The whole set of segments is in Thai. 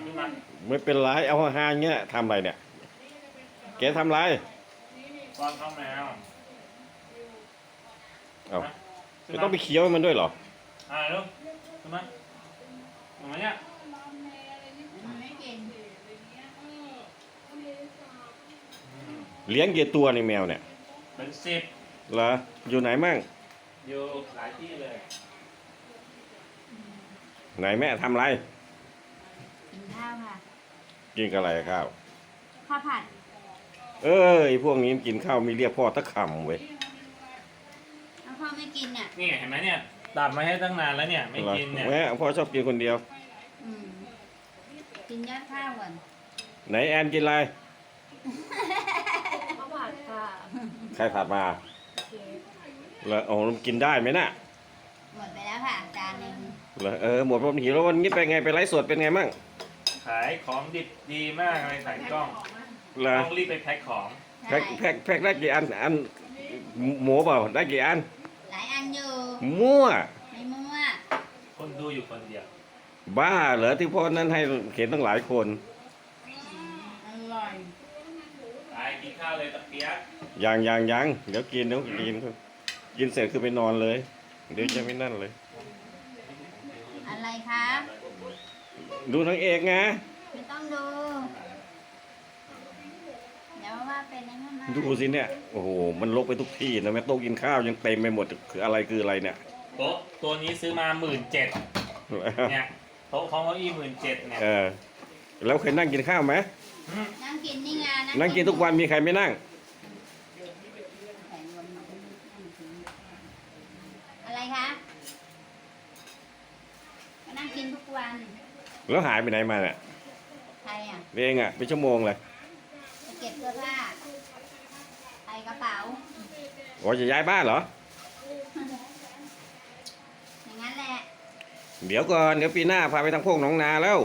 ขึ้นมาไม่เป็นไรเอาห่างๆเงี้ยทำอะไรเนี่ยแกทำไรป้อนข้าวแมวเอาไม่ต้องไปเคี้ยวมันด้วยเหรอลูกขึ้นมาทำไมเนี่ยไม่กินเลี้ยงกี่ตัวในแมวเนี่ยเป็น10 เหรออยู่ไหนมั่งอยู่หลายที่เลยไหนแม่ทำไรกินข้าวค่ะกินกับอะไรข้าวข้าวผัดพวกนี้กินข้าวมีเรียกพ่อตะคำเว้ยแล้วพ่อไม่กินเนี่ยนี่เห็นไหมเนี่ยตัดมาให้ตั้งนานแล้วเนี่ยไม่กินเนี่ยแม่พ่อชอบกินคนเดียวกินยอดข้าวก่อนไหนแอนกินอะไรข้าวผัดค่ะใครผัดมาแล้วกินได้ไหมน่ะหมดไปแล้วค่ะจานนึงหมดพร้อมหิวแล้ววันนี้ไปไงไปไลฟ์สดเป็นไงมั่งขายของดิบดีมากเลยขายกล้องต้องรีบไปแพ็คของแพ็คได้กี่อันหมูเปล่าได้กี่อันหลายอันอยู่มั่วไม่มั่วคนดูอยู่คนเดียวบ้าเหรอที่พ่อนั้นให้เห็นตั้งหลายคนอร่อยไปกินข้าวเลยตะเปียกยังเดี๋ยวกินกินเสร็จคือไปนอนเลยเดี๋ยวจะไม่นั่นเลยอะไรครับดูนางเอกไงไม่ต้องดูเดี๋ยวว่าเป็นยังไงมาดูสิเนี่ยโอ้โหมันลกไปทุกที่นะแม่โต๊ะกินข้าวยังเต็มไปหมดคืออะไรเนี่ยโต๊ะตัวนี้ซื้อมา17,000เนี่ยโต๊ะของเก้าอี้17,000เนี่ยแล้วเคยนั่งกินข้าวไหมนั่งกินนี่ไงนั่งกินทุกวันมีใครไม่นั่งอะไรคะนั่งกินทุกวันแล้วหายไปไหนมาเนี่ยใครอ่ะเองอ่ะเป็นชั่วโมงเลยไปเก็บเสื้อผ้าใส่กระเป๋าจะย้ายบ้านเหรออย่างนั้นแหละเดี๋ยวก่อนเดี๋ยวปีหน้าพาไปทางพวกหนองนาแล้ว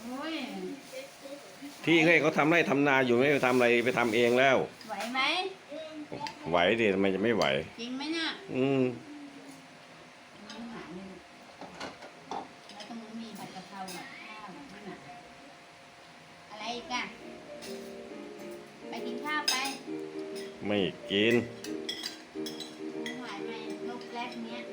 ที่เขาทำไร่ทำนาอยู่ไม่ไปทำอะไรไปทำเองแล้วไหวไหมไหวดิทำไมจะไม่ไหวจริงไหมเนี่ยแล้วตรงนู้นมีผัดกะเพราอะไรอีกอะไปกินข้าวไปไม่กินหายไปลูกแรกเนี้ย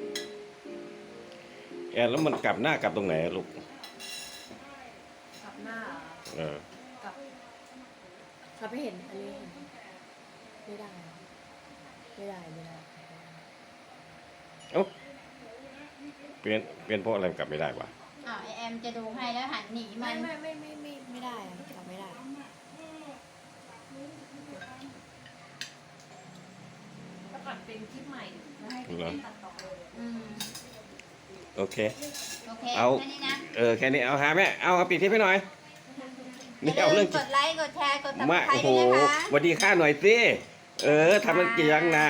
แล้วมันกลับหน้ากลับตรงไหนลูกกลับหน้ากลับไม่เห็นอันนี้เห็นไม่ได้เปลี่ยนเพราะอะไรกลับไม่ได้วะแอมจะดูให้แล้วหันหนีมันไม่ได้กลับไม่ได้ก็ตัดเป็นคลิปใหม่ให้ตัดต่อโอเคเอาแค่นี้นะแค่นี้เอาหาแม่เอาปิดคลิปให้หน่อยนี่เอาเรื่องกดไลค์กดแชร์กดติดตามโอ้โหสวัสดีค่าหน่อยสิทำมันกี่ยังนะ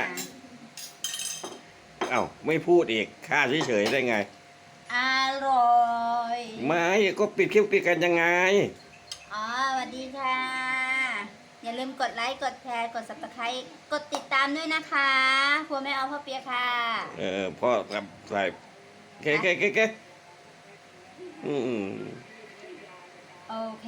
ไม่พูดอีกค่าเฉยๆได้ไงอร่อยไม่ก็ปิดคลิปปิดกันยังไงสวัสดีค่ะอย่าลืมกดไลค์กดแชร์กด Subscribe กดติดตามด้วยนะคะครัวแม่เอาพ่อเปียค่ะพ่อกับใส่เก๊โอเค